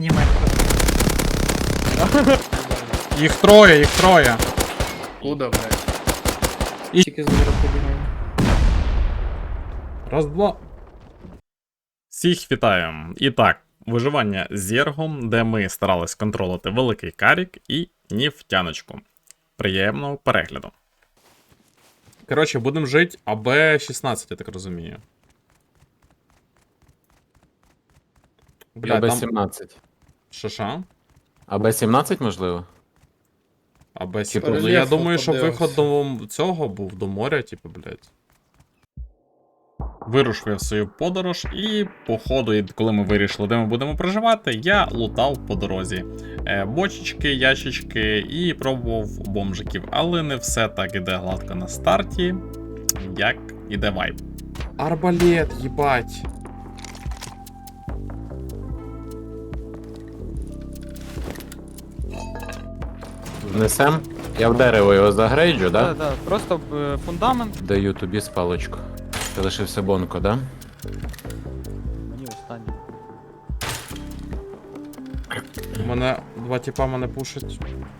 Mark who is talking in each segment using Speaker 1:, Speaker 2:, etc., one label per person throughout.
Speaker 1: Їх троє, їх троє.
Speaker 2: Куда, блядь?
Speaker 3: Тільки зараз побігаю.
Speaker 1: Раз, два. Всіх вітаю. І так, виживання з Зергом, де ми старались контролити великий карік і нефтяночку. Приємного перегляду. Коротше, будемо жити АБ-16, я так розумію. Бля, там...
Speaker 4: АБ-17.
Speaker 1: Що?
Speaker 4: АБ-17, можливо?
Speaker 1: АБ-17.
Speaker 2: Типу,
Speaker 1: Ну, я
Speaker 2: рельєфу
Speaker 1: думаю, що
Speaker 2: подивимось.
Speaker 1: виход до цього був, до моря, типу, блядь. Вирушив в свою подорож, і по ходу, коли ми вирішили, де ми будемо проживати, я лутав по дорозі бочечки, ящички і пробував бомжиків. Але не все так іде гладко на старті, як іде вайб. Арбалет, їбать.
Speaker 4: Внесем? Я в дерево його загрейджу, да?
Speaker 5: Так, так, просто фундамент.
Speaker 4: Даю тобі спалочку. Ти лишився Бонко, да?
Speaker 5: Мені останній.
Speaker 1: У мене два тіпа мене пушать.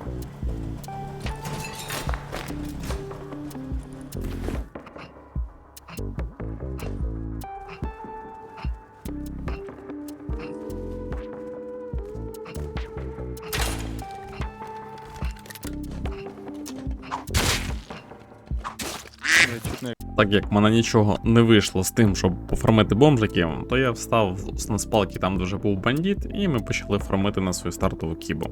Speaker 1: Так як в мене нічого не вийшло з тим, щоб пофармити бомжиків, то я встав на спалки там, де вже був бандит, і ми почали фармити на свою стартову кібу.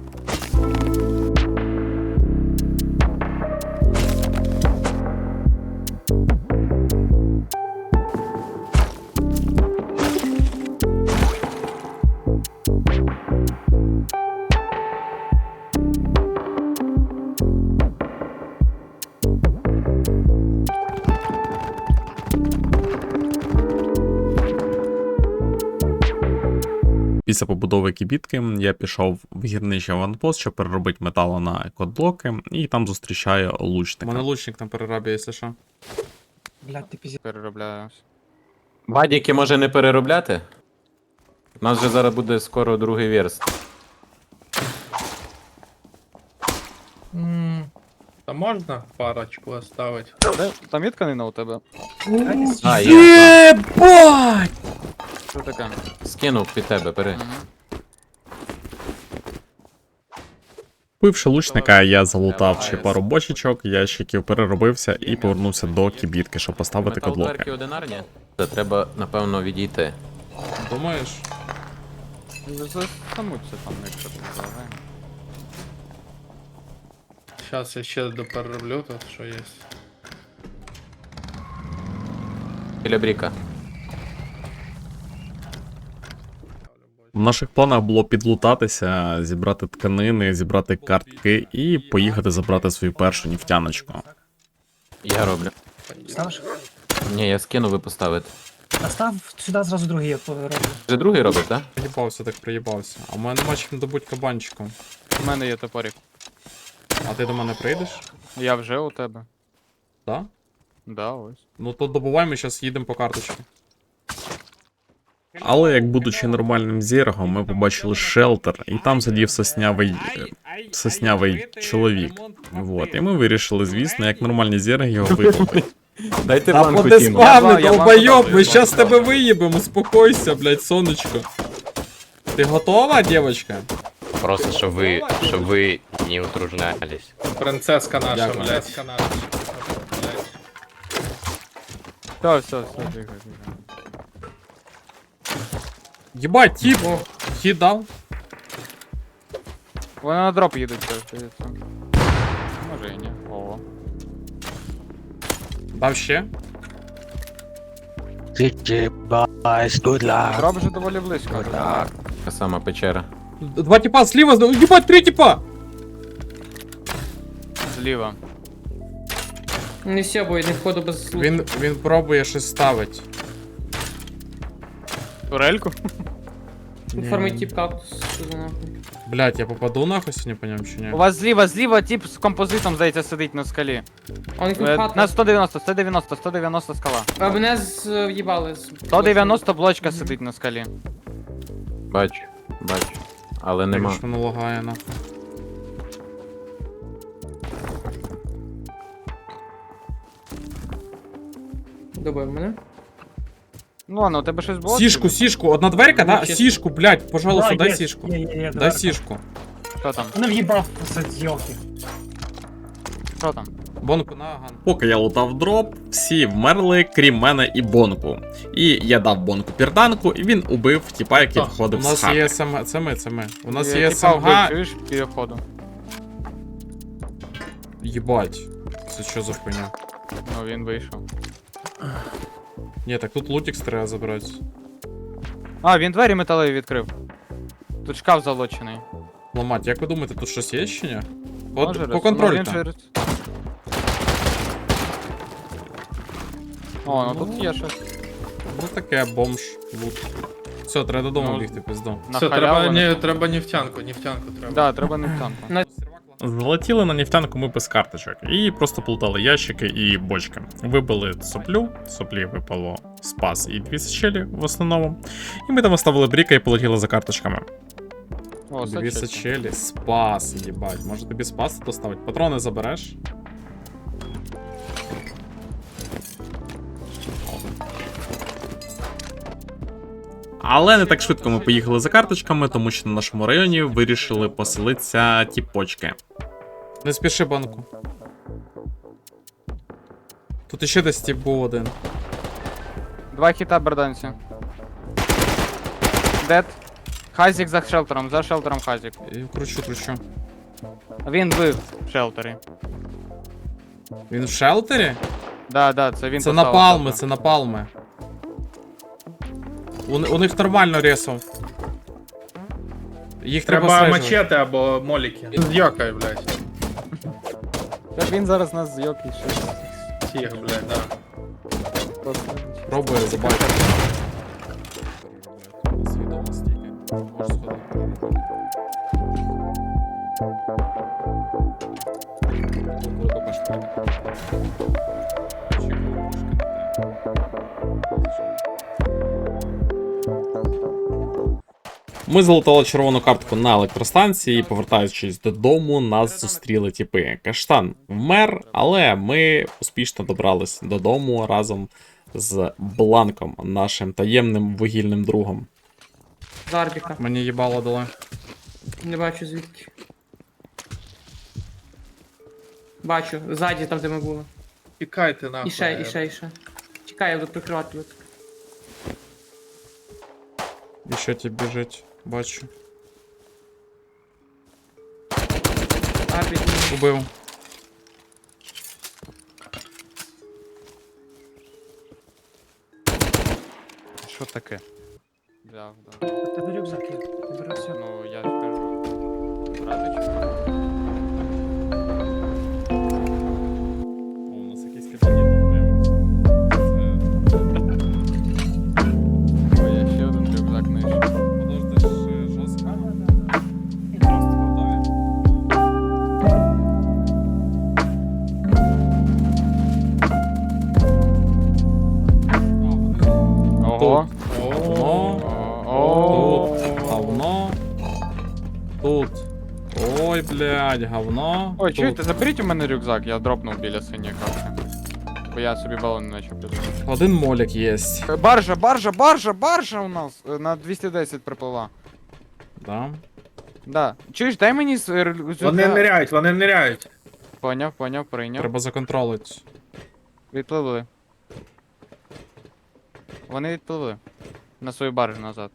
Speaker 1: Після побудови кібітки я пішов в гірничий аванпост, щоб переробити метало на кодблоки, і там зустрічаю лучника. У мене лучник на перерабі, якщо що.
Speaker 3: Блядь, ти пізі.
Speaker 5: Переробляю.
Speaker 4: Бадіки може не переробляти? У нас же зараз буде скоро другий верст.
Speaker 2: Та можна парочку оставить?
Speaker 5: Де? Там є тканина у тебе?
Speaker 4: А, є.
Speaker 1: Єбать!
Speaker 5: Що таке?
Speaker 4: Скинув під тебе, бери.
Speaker 1: Вбивши лучника, я залутав ще пару бочечок, ящиків, переробився і повернувся до кібітки, щоб поставити
Speaker 4: Металкарки
Speaker 1: кодлоки.
Speaker 4: одинарні? Це треба, напевно, відійти.
Speaker 1: Думаєш?
Speaker 5: Застануться там, якщо ти залагаємо.
Speaker 2: Зараз я ще доперероблю тут, що є.
Speaker 4: Біля бріка.
Speaker 1: В наших планах було підлутатися, зібрати тканини, зібрати картки і поїхати забрати свою першу нефтяночку.
Speaker 4: Я роблю.
Speaker 3: Ставиш?
Speaker 4: Ні, я скину, ви поставите.
Speaker 3: А став сюди зразу другий, я роблю.
Speaker 4: Вже другий робиш, так? Да?
Speaker 1: Приїбався, так приїбався. А в мене нема чим добуть кабанчиком.
Speaker 5: У мене є топорик.
Speaker 1: А ти до мене прийдеш?
Speaker 5: Я вже у тебе.
Speaker 1: Да?
Speaker 5: Да, ось.
Speaker 1: Ну то добувай, ми зараз їдемо по карточці. Але як будучи нормальним зергом, ми побачили шелтер, і там сидів соснявий чоловік. Вот. І ми вирішили, звісно, як нормальні зерги його випити.
Speaker 4: Дайте
Speaker 1: Та
Speaker 4: банку
Speaker 1: поди
Speaker 4: Тіму.
Speaker 1: спавни,
Speaker 5: Я
Speaker 1: долбойоб,
Speaker 5: банку
Speaker 1: ми
Speaker 5: дам,
Speaker 1: щас
Speaker 5: банку
Speaker 1: тебе виїбемо, успокойся, блядь, сонечко. Ти готова, девочка?
Speaker 6: Просто, щоб ви не утруждались.
Speaker 2: Принцеска наша,
Speaker 1: Дякую.
Speaker 2: блядь.
Speaker 5: Все, тихо, тихо.
Speaker 1: Єбать, тип, хід дав.
Speaker 5: Вони на дроп їдуть, це здається. Може і ні. Ого.
Speaker 1: Дав ще.
Speaker 5: Дроп вже доволі близько.
Speaker 3: Так.
Speaker 4: Така сама печера.
Speaker 1: Два типа сліва, єбать, три типа!
Speaker 5: Зліва.
Speaker 3: Не все, бо я не входу без слух.
Speaker 1: Він пробує щось ставить.
Speaker 5: Турельку?
Speaker 3: Формить тип кактус. Що за нахуй?
Speaker 1: Блять, я попаду нахуй сьогодні по ньому чи ні?
Speaker 5: У вас зліва тип з композитом, здається, сидить на скалі.
Speaker 3: Он тут
Speaker 5: На
Speaker 3: хат.
Speaker 5: 190 скала.
Speaker 3: А мене в'їбали.
Speaker 5: 190 блочка сидить на скалі.
Speaker 4: Бачу. Бачу. Але нема.
Speaker 1: Що воно лагає на.
Speaker 3: Добив мене.
Speaker 5: Ну ладно, у тебе щось було?
Speaker 1: Сішку, сішку, одна дверка, да?
Speaker 3: Чесно.
Speaker 1: Сішку, блядь, пожалуйста, дай
Speaker 7: є,
Speaker 1: сішку.
Speaker 7: Є,
Speaker 1: Дай сішку.
Speaker 5: Хто там?
Speaker 7: Мене в'їбав з йолки.
Speaker 5: Хто там?
Speaker 1: Бонку на ган. Поки я лутав дроп, всі вмерли, крім мене і Бонку. І я дав Бонку пірданку, і він убив тіпа, який
Speaker 2: Так,
Speaker 1: входив У з нас хати. є СМГ, це ми. У нас
Speaker 5: Я
Speaker 1: є
Speaker 5: тіпа вбив,
Speaker 1: СМГ.
Speaker 5: чуєш, біля входу.
Speaker 1: Єбать. Це що за хуйня?
Speaker 5: Ну, він вийшов.
Speaker 1: Ні, так тут лутікс треба забрати.
Speaker 5: А, він двері металеві відкрив. Тут шкаф залочений.
Speaker 1: Ламать, як ви думаєте, тут щось є чи ні?
Speaker 5: Може,
Speaker 1: По контролю
Speaker 5: він
Speaker 1: там.
Speaker 5: через- О, ну тут є щось.
Speaker 1: Ну таке, бомж, лут. Все, треба додому
Speaker 5: Ну,
Speaker 1: бігти, пізду.
Speaker 5: На
Speaker 2: Все,
Speaker 5: халяву не-
Speaker 2: треба нефтянку треба.
Speaker 5: Да, треба не в танку.
Speaker 1: Залетіли на нефтянку ми без карточок і просто плутали ящики і бочки. Вибили соплю, соплі випало спас і 2 сечелі в основному. І ми там оставили бріка і полетіли за карточками.
Speaker 5: О,
Speaker 1: 2
Speaker 5: сачечка.
Speaker 1: сечелі, спас, їбать. Може тобі спас доставить? Патрони забереш? Але не так швидко ми поїхали за карточками, тому що на нашому районі вирішили поселитися ті почки. Не спіши, банку. Тут іще десь тип був один.
Speaker 5: 2 хіта берданці. Дед. Хазік за шелтером Хазік.
Speaker 1: І кручу.
Speaker 5: Він бив в шелтері.
Speaker 1: Він в шелтері?
Speaker 5: Да, це він
Speaker 1: Це
Speaker 5: поставив
Speaker 1: напалми,
Speaker 5: шелтер.
Speaker 1: це напалми. У них нормально ресов. Їх треба
Speaker 2: Треба
Speaker 1: слежувати.
Speaker 2: мачете або моліки. Зйокай, блядь.
Speaker 5: Так він зараз нас зйок і ще.
Speaker 2: Всіх, блядь, да.
Speaker 1: Пробує забачити. Свідомо стільки. Можеш сходити. Круто пошли. Ми залутали червону картку на електростанції, і повертаючись додому, нас зустріли тіпи. Каштан вмер, але ми успішно добрались додому разом з Бланком, нашим таємним вугільним другом.
Speaker 3: Зарбіка.
Speaker 1: Мені їбало дали.
Speaker 3: Не бачу звідки. Бачу, ззаді там, де ми були.
Speaker 2: Тікайте нахуй.
Speaker 3: І ще. Чекай, я буду прикривати тут.
Speaker 1: І що ті біжить, бачу.
Speaker 3: Арбіт.
Speaker 1: Убив.
Speaker 5: Що таке? Взяв,
Speaker 7: У тебе рюкзак є. Ти бери все.
Speaker 5: Ну, я ж кажу. Брати чекаю.
Speaker 1: О, у нас якийсь кабінет появився.
Speaker 5: О, я ще один рюкзак знайшов.
Speaker 1: Подожди, ж жорстко. Просто готові.
Speaker 5: Ого.
Speaker 1: Говно.
Speaker 5: О.
Speaker 1: Тут говно. Тут. Ой, блядь, говно.
Speaker 5: Ой,
Speaker 1: Тут.
Speaker 5: чуєте, заберіть у мене рюкзак, я дропнув біля синьої капки. Бо я собі балон не почав підвозити.
Speaker 1: Один молік є.
Speaker 5: Баржа у нас на 210 приплила.
Speaker 1: Да.
Speaker 5: Да. Чуєш, дай мені
Speaker 2: Вони ниряють.
Speaker 5: Поняв, прийняв.
Speaker 1: Треба законтролити.
Speaker 5: Відпливли. Вони відпливли. На свою баржу назад.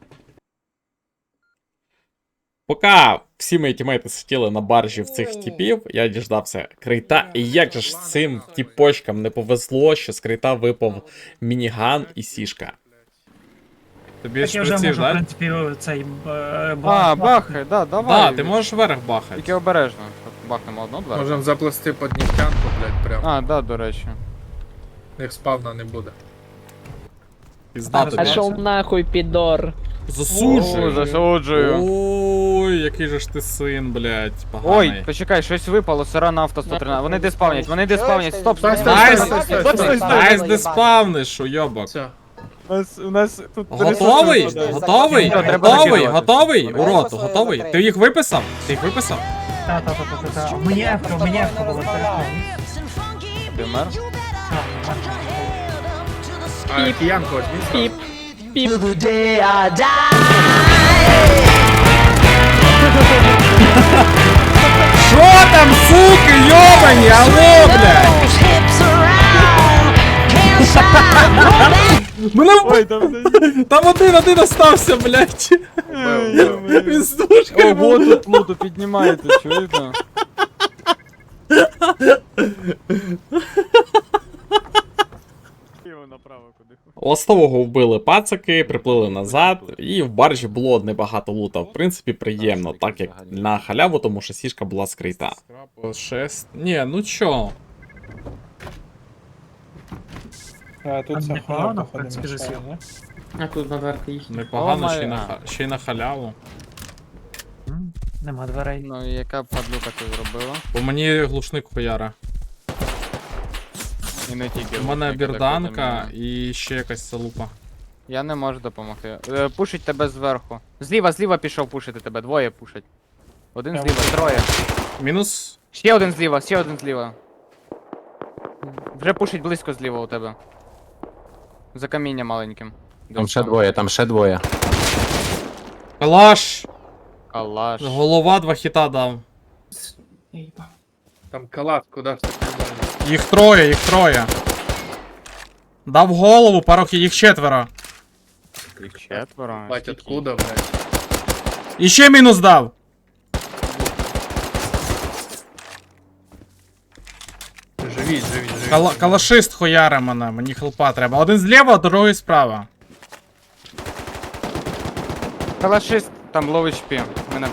Speaker 1: Поки всі мої тімейти сиділи на баржі в цих тіпів, я діждався крейта. І як же ж цим тіпочкам не повезло, що з крейта випав мініган і сішка. Тобі
Speaker 7: Так я вже
Speaker 1: шприців,
Speaker 7: можу, в
Speaker 1: да?
Speaker 7: принципі, цей
Speaker 5: Бахай, да, давай.
Speaker 1: Да, ти можеш вверх бахати.
Speaker 5: Тільки обережно, щоб бахнемо одну дверку.
Speaker 2: Можемо заплести під нефтянку, блядь, прям.
Speaker 5: А, да, до речі.
Speaker 2: Їх спавна не буде.
Speaker 1: Пізда тобі.
Speaker 8: Пошел нахуй, пидор.
Speaker 1: Засуджую.
Speaker 5: Засуджую.
Speaker 1: Ой, який же ж ти син, блядь, поганий.
Speaker 5: Ой, почекай, щось випало, сира нафта 113. Вони деспавнять, стоп,
Speaker 2: Стой,
Speaker 5: стоп.
Speaker 2: стой,
Speaker 1: Найс,
Speaker 2: стой, стой, стой, стой.
Speaker 1: найс, де спавниш, уйобок.
Speaker 2: Все.
Speaker 5: У нас тут...
Speaker 1: Готовий? Готовий?
Speaker 5: Все, треба
Speaker 1: Готовий?
Speaker 5: закидувати.
Speaker 1: Готовий?
Speaker 9: Давай
Speaker 1: Урод,
Speaker 9: просто
Speaker 1: готовий?
Speaker 9: закрий.
Speaker 1: Ти їх виписав? Ти їх виписав?
Speaker 7: Та. Мені ефка було перед.
Speaker 5: Ти вмер?
Speaker 2: А киянку возьми.
Speaker 1: Що там, суки, йобані, алло, блядь? Мене
Speaker 5: Ой, там...
Speaker 1: там один остався, блядь. Він з дужкою
Speaker 5: Ого,
Speaker 1: був.
Speaker 5: тут луту піднімаєте, чуєте? Направо куди.
Speaker 1: Ластового вбили пацаки, приплили назад, і в баржі було небагато лута. В принципі, приємно, так як на халяву, тому що сішка була скрита. 6. Ні, ну чо?
Speaker 7: Тут непогано, в принципі, засів.
Speaker 3: А тут на дверку їх.
Speaker 1: Непогано,
Speaker 5: О,
Speaker 1: ще й
Speaker 5: моя.
Speaker 1: ще й на халяву.
Speaker 7: Нема дверей.
Speaker 5: Ну і яка падлюка ти зробила?
Speaker 1: По мені глушник хуяра.
Speaker 5: І не тільки.
Speaker 1: У мене
Speaker 5: лучники,
Speaker 1: бірданка
Speaker 5: так, і
Speaker 1: і ще якась залупа.
Speaker 5: я не можу допомогти. Пушить тебе зверху. Зліва пішов пушити тебе, двоє пушать. Один зліва, троє.
Speaker 1: Мінус.
Speaker 5: Ще один зліва. Вже пушить близько зліва у тебе. За каміння маленьким.
Speaker 4: Там ще двоє.
Speaker 1: Калаш!
Speaker 5: Калаш.
Speaker 1: Голова 2 хіта дав.
Speaker 2: Там калат, куди ж ти придумав?
Speaker 1: Їх троє. Дав голову, пару їх 4.
Speaker 5: Їх четверо.
Speaker 2: Бать,
Speaker 5: Скільки?
Speaker 2: откуда, блядь?
Speaker 1: І ще мінус дав.
Speaker 2: Живіть.
Speaker 1: Калашист хуяре мене, мені хелпа треба. Один зліва, а другий справа.
Speaker 5: Калашист, там лоw HP. Мене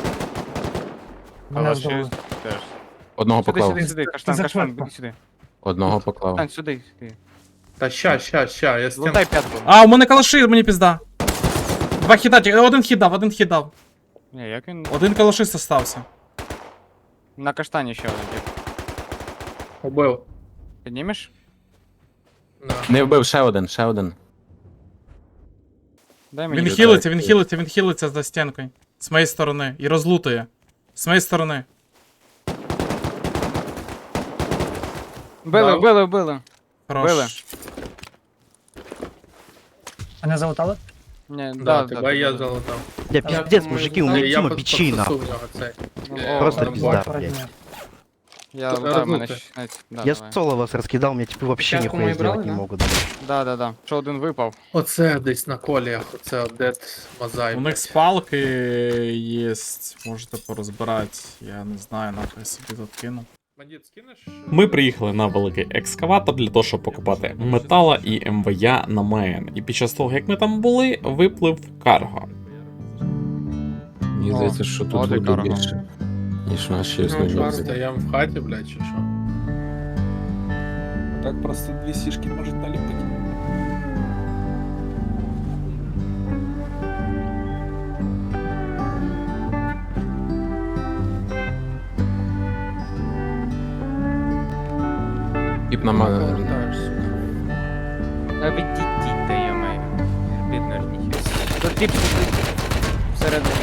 Speaker 7: Мене здобули.
Speaker 5: калашист теж.
Speaker 4: Одного
Speaker 5: Сюди,
Speaker 4: поклав.
Speaker 5: сюди, каштан,
Speaker 7: За
Speaker 5: каштан,
Speaker 7: швидко.
Speaker 5: іди сюди.
Speaker 4: Одного поклав.
Speaker 5: Каштан, сюди.
Speaker 2: Та ща, я стін.
Speaker 5: Лутай п'ятку.
Speaker 1: А, у мене калаши, мені пізда. 2 хіта, один хід дав.
Speaker 5: Ні, як він...
Speaker 1: Один калашист остався.
Speaker 5: На каштані ще один тип.
Speaker 2: Убив.
Speaker 5: Піднімеш?
Speaker 2: На.
Speaker 4: Не вбив, ще один.
Speaker 5: Дай мені.
Speaker 1: Він хілиться за стінкою. З моєї сторони. І розлутує. З моєї сторони.
Speaker 5: Били.
Speaker 2: Били.
Speaker 1: Хорош.
Speaker 7: Мене залутали?
Speaker 5: Ні,
Speaker 2: Да, тебе я залутав.
Speaker 10: Я пиздец, мужики, у меня
Speaker 2: Я
Speaker 10: Тима
Speaker 2: под-
Speaker 10: бичей
Speaker 2: подсосу
Speaker 10: нахуй.
Speaker 2: в нього цей.
Speaker 10: Просто
Speaker 2: там
Speaker 10: пизда,
Speaker 2: бот.
Speaker 10: блядь.
Speaker 5: Я
Speaker 2: Тут
Speaker 5: лутаю, мене
Speaker 2: рознути.
Speaker 5: ще... Да,
Speaker 10: Я
Speaker 5: давай.
Speaker 10: соло вас раскидал, мне типа вообще
Speaker 3: Пятку
Speaker 10: нихуя
Speaker 3: мы брали,
Speaker 10: сделать не
Speaker 3: да?
Speaker 10: могут. блядь.
Speaker 5: Да. Що один випав.
Speaker 2: Оце десь на коліях, оце дед мозаїк.
Speaker 1: У них спалки є. Можете порозбирати. Я не знаю, нахуй собі тут кину.
Speaker 2: Бандит, скинеш?
Speaker 1: Ми приїхали на великий екскаватор для того, щоб покупати метала і МВЯ на мейн. І під час того, як ми там були, виплив карго.
Speaker 4: Мені здається, що тут
Speaker 5: Оде
Speaker 4: буде
Speaker 5: карго.
Speaker 4: більше, ніж наші
Speaker 2: Ну,
Speaker 4: основні.
Speaker 2: стоям в хаті, блядь, чи що?
Speaker 11: Так просто 2 сішки может налепить.
Speaker 4: Тіп на мене.
Speaker 2: Повертаєш, сука.
Speaker 5: Відійдіть, та я маю. Бідно ніхер. Тут тип сидить. Всередині.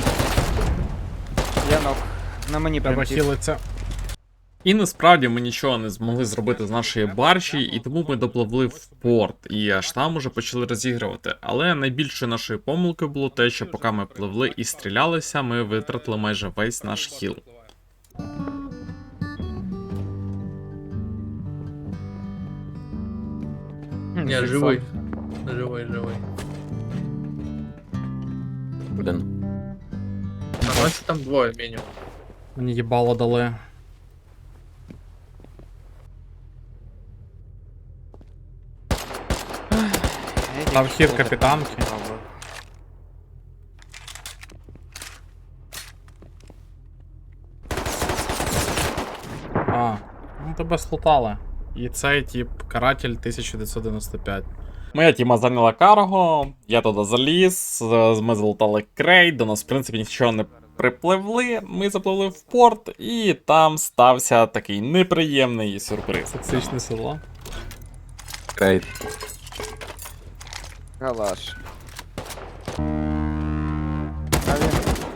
Speaker 5: Я ног. На мені прям
Speaker 1: Треба
Speaker 5: тип.
Speaker 1: хілиться. І насправді ми нічого не змогли зробити з нашої баржі, і тому ми допливли в порт, і аж там уже почали розігрувати. Але найбільшою нашою помилкою було те, що поки ми пливли і стрілялися, ми витратили майже весь наш хіл.
Speaker 2: Ні, живий. Живий.
Speaker 4: Один.
Speaker 2: На нас там двоє мінімум.
Speaker 1: Мені їбало дали. Там хід капітанки. А, ну тебе слутали. І цей тип каратель 1995. Моя тіма зайняла карго, я туди заліз, ми залутали крейт, до нас в принципі нічого не припливли, ми запливли в порт, і там стався такий неприємний сюрприз. Токсичне село.
Speaker 4: Крейт.
Speaker 5: Калаш. А він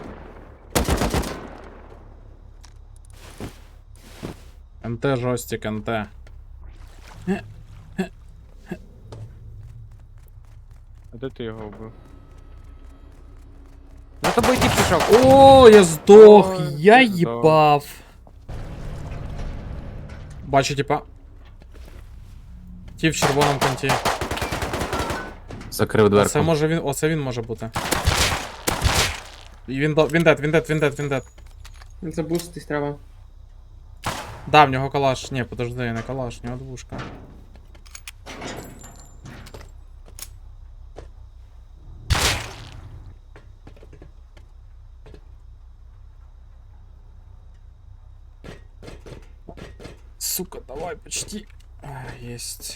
Speaker 1: НТ жостик, НТ.
Speaker 5: А де ти його вбив? За тобою тіп пішов.
Speaker 1: О, я здох!
Speaker 5: Ой,
Speaker 1: Я
Speaker 5: ти здох.
Speaker 1: їбав. Бачу, типа. Ті в червоному конті.
Speaker 4: Закрив дверку.
Speaker 1: Оце може він. Оце він може бути. І він дед.
Speaker 3: Забустись треба.
Speaker 1: Да, в нього калаш. Ні, подожди, не калаш, в нього двушка. Сука, давай, почти. Есть.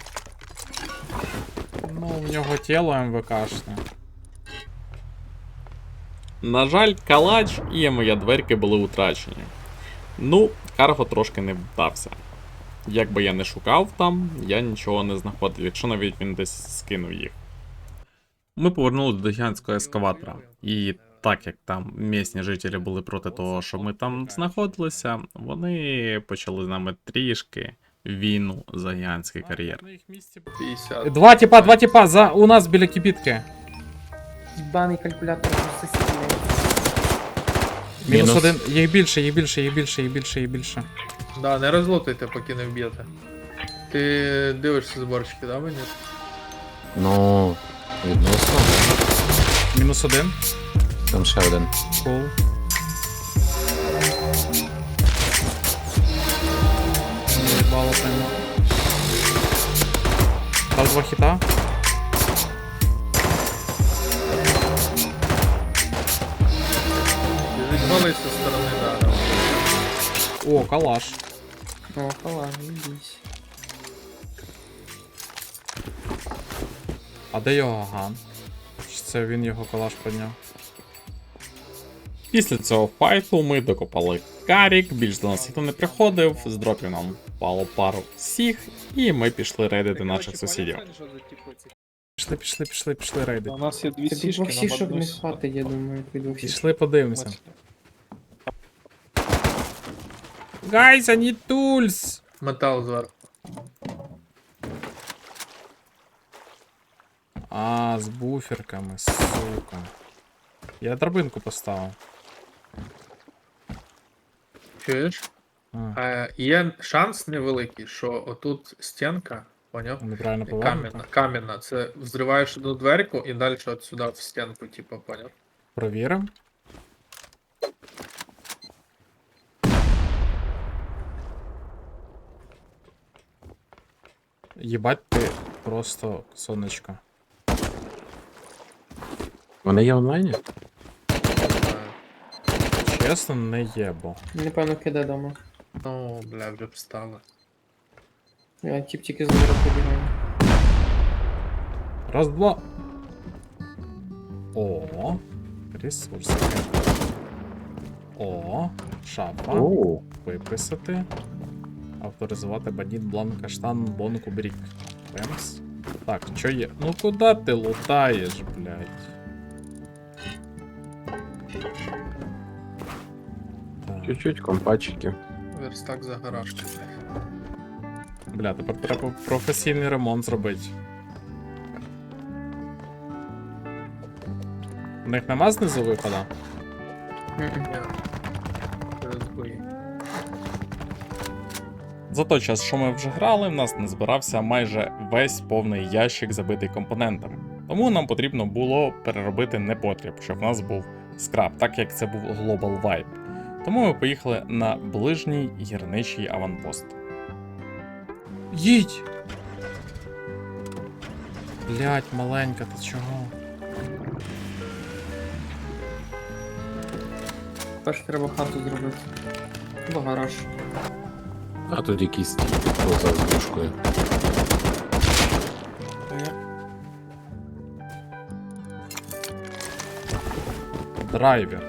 Speaker 1: Ну, в нього тіло МВКшне. На жаль, калач і моя дверки були утрачені. Ну, карго трошки не вдався. Як би я не шукав там, я нічого не знаходив, якщо навіть він десь скинув їх. Ми повернулися до гігантського ескаватора. І так як там місні жителі були проти того, що ми там знаходилися, вони почали з нами трішки війну за гігантський кар'єр.
Speaker 2: 50.
Speaker 1: Два типа, у нас біля кибітки.
Speaker 3: Ебаний калькулятор у сусідів.
Speaker 1: Мінус
Speaker 4: Мінус.
Speaker 1: один. Їх більше.
Speaker 2: Да, не розлутайте, поки не вб'єте. Ти дивишся зборчики, да, мені?
Speaker 4: Ну, відносно.
Speaker 1: Мінус один.
Speaker 4: Там ще один.
Speaker 1: Кул. Наїбало прямо. Дав два хіта.
Speaker 2: Біжить голий зі сторони, да, да.
Speaker 1: О, калаш.
Speaker 3: О, халаш, ідись.
Speaker 1: А де його ган? Чи це він його калаш підняв? Після цього файту ми докопали карік, більш до нас ніхто не приходив, з дропів нам впало пару всіх, і ми пішли рейдити наших сусідів. Пішли рейдити.
Speaker 11: У нас є дві
Speaker 3: Це
Speaker 11: сішки
Speaker 3: двох сішок
Speaker 11: на
Speaker 3: не хватить, я думаю, від двох сішок.
Speaker 1: Пішли подивимося. Guys, I need tools!
Speaker 2: Метал зверху.
Speaker 1: А, з буферками, сука. Я драбинку поставив.
Speaker 2: Чуєш? Є шанс невеликий, що отут стінка, поняв?
Speaker 1: Неправильно
Speaker 2: Кам'яна,
Speaker 1: повернуто.
Speaker 2: кам'яна. Це взриваєш одну дверку і далі от сюди в стінку, типу, поняв?
Speaker 1: Провіримо. Єбать ти просто сонечко.
Speaker 4: Вони є онлайні?
Speaker 1: Чесно, не єбо.
Speaker 3: Напевно, киде дома.
Speaker 2: Ну, бля, вже встали.
Speaker 3: Я тіп тільки з двору побігаю.
Speaker 1: Раз, два. О, ресурси. О, шапа.
Speaker 4: Оу.
Speaker 1: Виписати. Авторизувати бандит бланк каштан бонку брік. Пемс. Так, що є? Ну куди ти лутаєш, блядь? Так.
Speaker 4: Чуть-чуть компачики.
Speaker 2: Верстак за гаражки, блядь.
Speaker 1: Бля, тепер треба професійний ремонт зробити. У них нема знизу виходу?
Speaker 3: Мгм.
Speaker 2: Ні. Розбої.
Speaker 1: За той час, що ми вже грали, в нас не збирався майже весь повний ящик, забитий компонентами. Тому нам потрібно було переробити непотріб, щоб в нас був скраб, так як це був Global Vibe. Тому ми поїхали на ближній гірничий аванпост. Їдь! Блять, маленька, ти чого?
Speaker 3: Перш треба хату зробити. Або гараж.
Speaker 4: А тут якийсь поза з дужкою.
Speaker 1: Драйвер.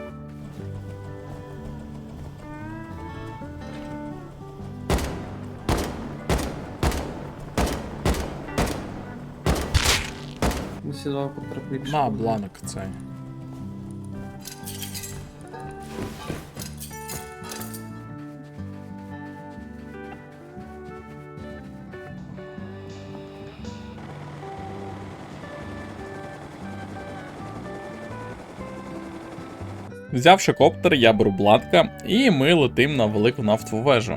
Speaker 3: Сідав потрапивши.
Speaker 1: На, бланк цей. Взявши коптер, я беру бланка, і ми летим на велику нафтову вежу.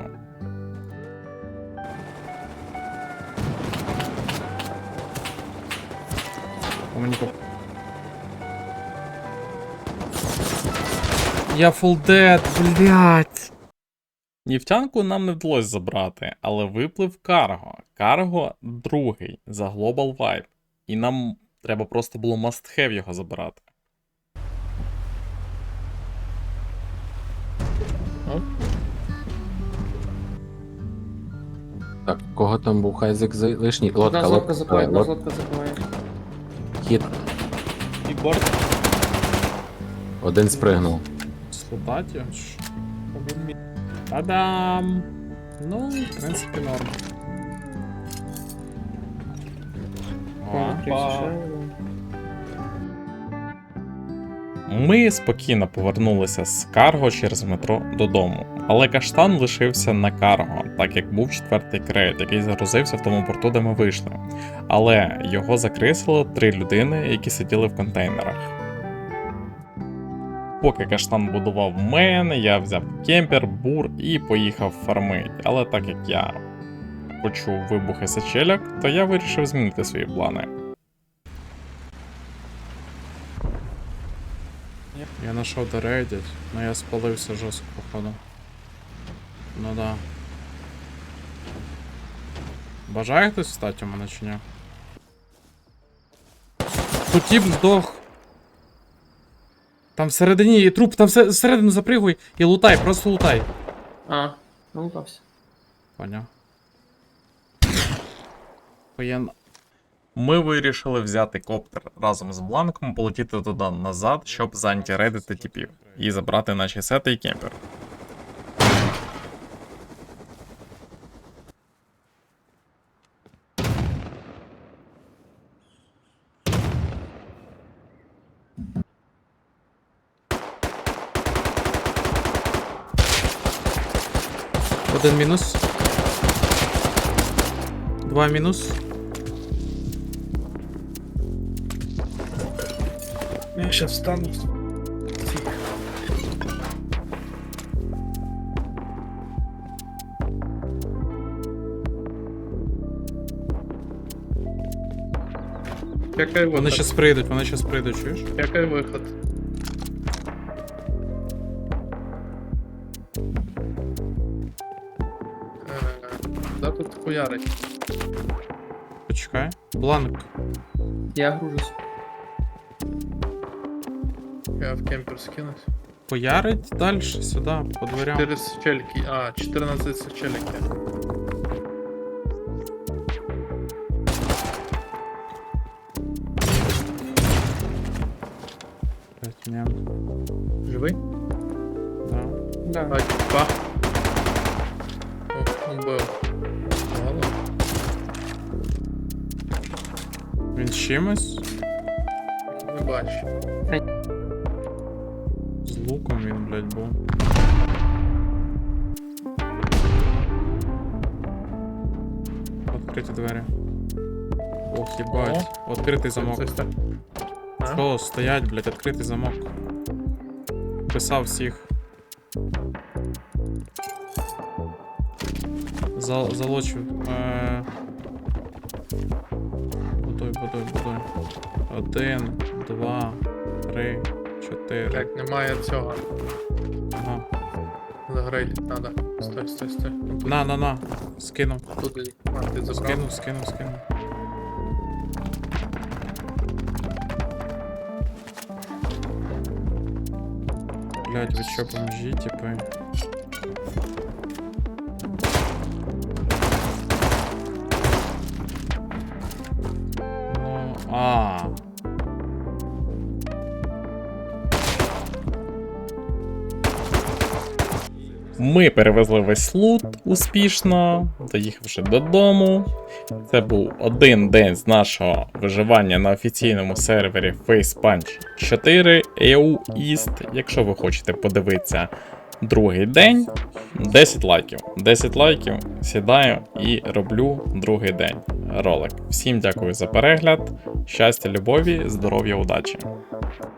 Speaker 1: Я фулдед, блядь. Нефтянку нам не вдалося забрати, але виплив карго. Карго другий за Global Vibe. І нам треба просто було must have його забирати.
Speaker 4: Так, кого там був хайзек лишній? Лодка,
Speaker 3: Одна злодка
Speaker 4: лодка,
Speaker 3: запиває, одна
Speaker 4: лодка.
Speaker 3: злодка запиває.
Speaker 4: Хід.
Speaker 7: І борт.
Speaker 4: Один спригнув.
Speaker 1: Слутаті? Та-дам! Ну, в принципі, норм. О. Ми спокійно повернулися з карго через метро додому, але каштан лишився на карго, так як був четвертий крейт, який загрузився в тому порту, де ми вийшли. Але його закрисило 3 людини, які сиділи в контейнерах. Поки каштан будував мене, я взяв кемпер, бур і поїхав фармить. Але так як я почув вибухи сачеляк, то я вирішив змінити свої плани. Я знайшов де рейдять, але я спалився жорстко, походу. Ну да. Бажає хтось встати у мене чи ні? Тут тіп здох. Там всередині є труп, там всередину запригуй і лутай, просто лутай.
Speaker 3: А, ну лутався.
Speaker 1: Поняв. Воєнно. Ми вирішили взяти коптер разом з бланком, полетіти туди назад, щоб заантіредити типів і забрати наші сети і кемпер. Один мінус. 2 мінус.
Speaker 7: Я сейчас встану.
Speaker 2: Який
Speaker 1: Вони
Speaker 2: виход?
Speaker 1: щас прийдуть, чуєш?
Speaker 2: Який виход? Да тут хуярить.
Speaker 1: Почекай. Бланк.
Speaker 3: Я гружусь.
Speaker 2: Я в кемпер скинусь.
Speaker 1: Поярить далі, сюди, по дверям.
Speaker 2: 4 сачельки. А, 14 сачелики.
Speaker 1: Блять, ні.
Speaker 2: Живий?
Speaker 1: Да.
Speaker 3: Да.
Speaker 2: А, типа. О, убив. Мало.
Speaker 1: Він з чимось?
Speaker 2: Не бачу.
Speaker 1: З луком він, блять, був. Відкриті двері. Ох, їбать. Відкритий замок.
Speaker 2: Це так. А?
Speaker 1: Що, стоять, блять, відкритий замок. Писав всіх. Залочив. Будуй. 1, 2, 3, 4.
Speaker 2: Так, немає цього.
Speaker 1: Ага.
Speaker 2: Загрейдить надо. Стой.
Speaker 1: На. Скинув.
Speaker 2: Тут а, ти забрав.
Speaker 1: Скинув. Блять, ви що, бомжі, типи? Ну, Ми перевезли весь лут успішно, доїхавши додому. Це був один день з нашого виживання на офіційному сервері FacePunch 4 EU East. Якщо ви хочете подивитися другий день, 10 лайків. 10 лайків, сідаю і роблю другий день ролик. Всім дякую за перегляд, щастя, любові, здоров'я, удачі!